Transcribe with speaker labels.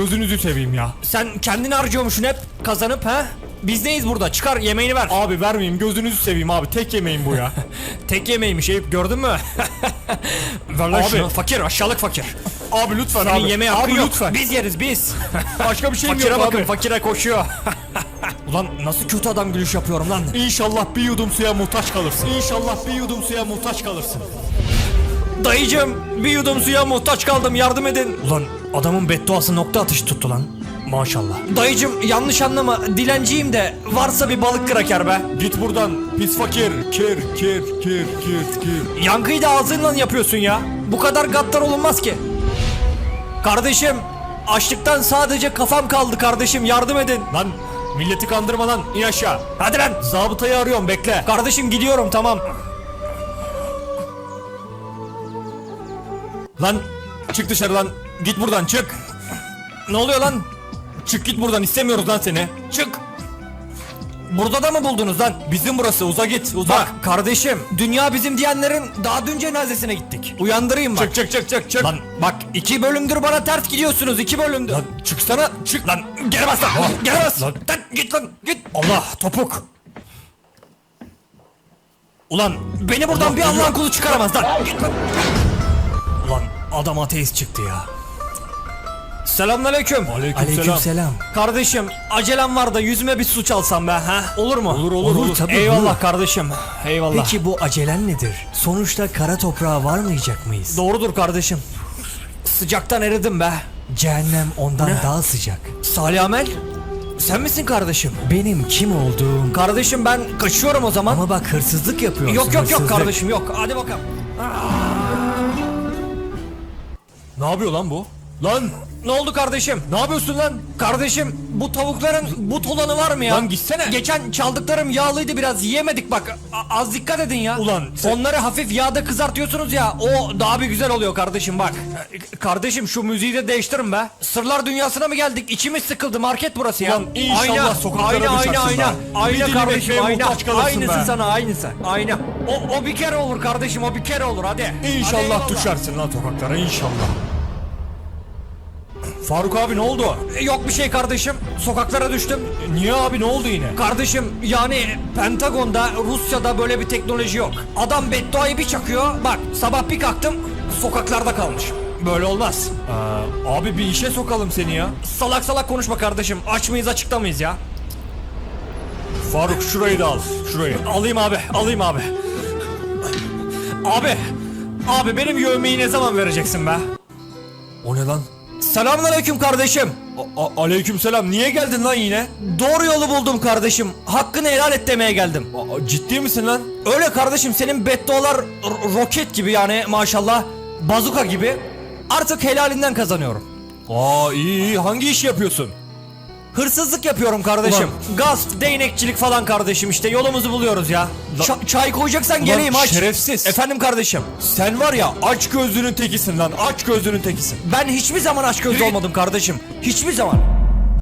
Speaker 1: gözünüzü seveyim ya.
Speaker 2: Sen kendini harcıyormuşsun hep kazanıp ha? Biz neyiz burada? Çıkar yemeğini ver.
Speaker 1: Abi vermeyeyim, gözünüzü seveyim abi, tek yemeğim bu ya.
Speaker 2: Tek yemeğiymiş Eyüp, gördün mü? Ver lan
Speaker 1: Abi.
Speaker 2: şunu. Fakir, aşağılık fakir.
Speaker 1: Abi lütfen
Speaker 2: Senin
Speaker 1: abi.
Speaker 2: yemeğe hakkın
Speaker 1: Abi
Speaker 2: yok.
Speaker 1: lütfen.
Speaker 2: Biz yeriz biz.
Speaker 1: Başka bir şeyim
Speaker 2: Fakire
Speaker 1: yok
Speaker 2: bakın,
Speaker 1: abi.
Speaker 2: fakire koşuyor. Ulan nasıl kötü adam gülüş yapıyorum lan.
Speaker 1: İnşallah bir yudum suya muhtaç kalırsın. İnşallah bir yudum suya muhtaç kalırsın.
Speaker 2: Dayıcım, bir yudum suya muhtaç kaldım, yardım edin. Ulan adamın bedduası nokta atışı tuttu lan. Maşallah. Dayıcım yanlış anlama, dilenciyim de varsa bir balık kraker be.
Speaker 1: Git buradan pis fakir. Kir.
Speaker 2: Yankıyı da ağzınla yapıyorsun ya. Bu kadar gaddar olunmaz ki. Kardeşim, açlıktan sadece kafam kaldı kardeşim, yardım edin.
Speaker 1: Lan milleti kandırma lan, in aşağı.
Speaker 2: Hadi lan.
Speaker 1: Zabıtayı arıyorum, bekle.
Speaker 2: Kardeşim gidiyorum, tamam.
Speaker 1: Lan çık dışarı lan. Git buradan, çık.
Speaker 2: Ne oluyor lan?
Speaker 1: Çık git buradan, istemiyoruz lan seni.
Speaker 2: Çık. Burada da mı buldunuz lan?
Speaker 1: Bizim burası, uza git, uza.
Speaker 2: Bak kardeşim, dünya bizim diyenlerin daha dün cenazesine gittik. Uyandırayım bak.
Speaker 1: Çık.
Speaker 2: Lan bak, 2 bölümdür bana ters gidiyorsunuz, 2 bölümdür.
Speaker 1: Lan çıksana, çık.
Speaker 2: Lan geri bas lan. Geri bas.
Speaker 1: Lan.
Speaker 2: Git lan git. Allah topuk. Ulan beni buradan
Speaker 1: Allah
Speaker 2: bir Allah'ın
Speaker 1: geliyor.
Speaker 2: kulu çıkaramaz lan. Git lan. Ulan adam ateist çıktı ya. Selamünaleyküm.
Speaker 1: Aleykümselam.
Speaker 2: Kardeşim acelem var da yüzüme bir su çalsam be ha? Olur mu?
Speaker 1: Olur.
Speaker 3: Tabii,
Speaker 2: Eyvallah
Speaker 3: buyur.
Speaker 2: kardeşim. Eyvallah.
Speaker 3: Peki bu acelen nedir? Sonuçta kara toprağa varmayacak mıyız?
Speaker 2: Doğrudur kardeşim. Sıcaktan eridim be.
Speaker 3: Cehennem ondan daha sıcak.
Speaker 2: Salih Amel, sen misin kardeşim?
Speaker 3: Benim kim olduğum...
Speaker 2: Kardeşim ben kaçıyorum o zaman.
Speaker 3: Ama bak hırsızlık yapıyorsun.
Speaker 2: Yok
Speaker 3: hırsızlık.
Speaker 2: kardeşim yok. Hadi bakalım.
Speaker 1: Ne yapıyor lan bu? Lan
Speaker 2: Ne oldu kardeşim?
Speaker 1: ne yapıyorsun lan?
Speaker 2: Kardeşim bu tavukların but olanı var mı ya?
Speaker 1: Lan gitsene.
Speaker 2: Geçen çaldıklarım yağlıydı, biraz yiyemedik bak. Az dikkat edin ya.
Speaker 1: Ulan sen-
Speaker 2: Onları hafif yağda kızartıyorsunuz ya, o daha bir güzel oluyor kardeşim bak. Kardeşim şu müziği de değiştirin be. Sırlar dünyasına mı geldik? İçimiz sıkıldı, market burası ya.
Speaker 1: Ulan inşallah sokaklara düşersin be. Bir
Speaker 2: Ayna
Speaker 1: dilim
Speaker 2: kardeşim,
Speaker 1: ekmeğe
Speaker 2: ayna.
Speaker 1: muhtaç kalırsın
Speaker 2: Aynısı
Speaker 1: be.
Speaker 2: sana, aynısı. Ayna. O bir kere olur kardeşim, o bir kere olur hadi. Hadi
Speaker 1: İnşallah
Speaker 2: eyvallah.
Speaker 1: düşersin lan sokaklara, inşallah. Faruk abi ne oldu?
Speaker 2: Yok bir şey kardeşim. Sokaklara düştüm.
Speaker 1: Niye abi, ne oldu yine?
Speaker 2: Kardeşim yani Pentagon'da, Rusya'da böyle bir teknoloji yok. Adam bedduayı bir çakıyor. Bak sabah bir kalktım, sokaklarda kalmış. Böyle olmaz.
Speaker 1: Abi bir işe sokalım seni ya.
Speaker 2: Salak salak konuşma kardeşim. Aç mıyız, açıkta mıyız ya?
Speaker 1: Faruk şurayı da al, şurayı.
Speaker 2: Alayım abi, alayım abi. Abi benim yövmeyi ne zaman vereceksin be?
Speaker 1: O ne lan?
Speaker 2: Selamünaleyküm kardeşim.
Speaker 1: Aleykümselam, niye geldin lan yine?
Speaker 2: Doğru yolu buldum kardeşim. Hakkını helal et demeye geldim.
Speaker 1: Ciddi misin lan?
Speaker 2: Öyle kardeşim, senin beddualar roket gibi yani maşallah. Bazuka gibi. Artık helalinden kazanıyorum.
Speaker 1: İyi, hangi iş yapıyorsun?
Speaker 2: Hırsızlık yapıyorum kardeşim. Gasp, değnekçilik falan kardeşim, işte yolumuzu buluyoruz ya. Çay koyacaksan geleyim, aç.
Speaker 1: şerefsiz.
Speaker 2: Efendim kardeşim.
Speaker 1: Sen var ya, aç gözlünün tekisin lan, aç gözlünün tekisin.
Speaker 2: Ben hiçbir zaman aç gözlü olmadım kardeşim. Hiçbir zaman.